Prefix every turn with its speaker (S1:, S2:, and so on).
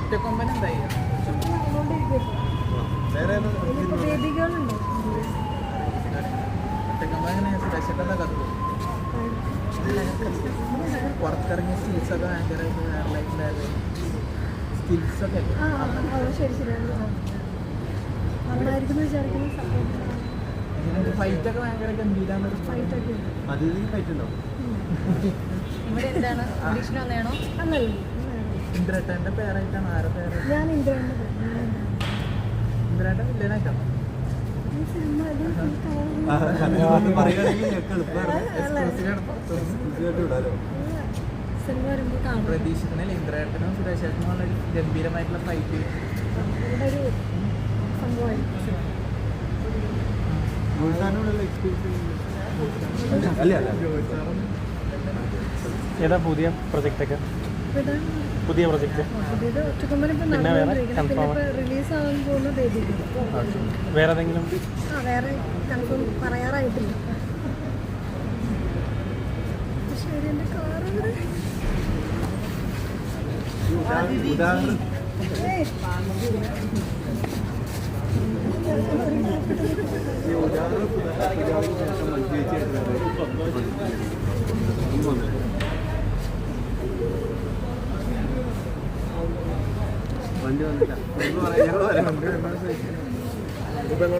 S1: ഒറ്റക്കൊമ്പൻ എന്തായി? ഒറ്റക്കൊമ്പൻ എങ്ങനെ സുരേഷേട്ടൻ്റെ കഥ പുറത്തിറങ്ങിയ സ്കിൽസൊക്കെ ഭയങ്കരമായിട്ട് വേറെ ലൈഫിലായത് സ്കിൽസൊക്കെ ഫൈറ്റൊക്കെ ഭയങ്കര ഗംഭീരാണ്. ഇന്ദ്രേട്ടൻ്റെ പേരായിട്ടാണ് ആരുടെ പേര്? ഇന്ദ്രേട്ടൻ വില്ലനായിട്ടാണ്. പ്രതീക്ഷിക്കണില്ല ഇന്ദ്രേട്ടനും സുരേഷേട്ടനും ഉള്ള ഗംഭീരമായിട്ടുള്ള ഫൈറ്റ്.
S2: ഏതാ പുതിയ പ്രൊജക്റ്റൊക്കെ? പുതിയ പ്രൊജക്റ്റ് പിന്നെ വേറെ കൺഫേം വേറെ ഏതെങ്കിലും?
S3: വേറെ കൺഫേം പറയാറായിട്ടില്ല.
S4: വണ്ടി വന്നില്ല.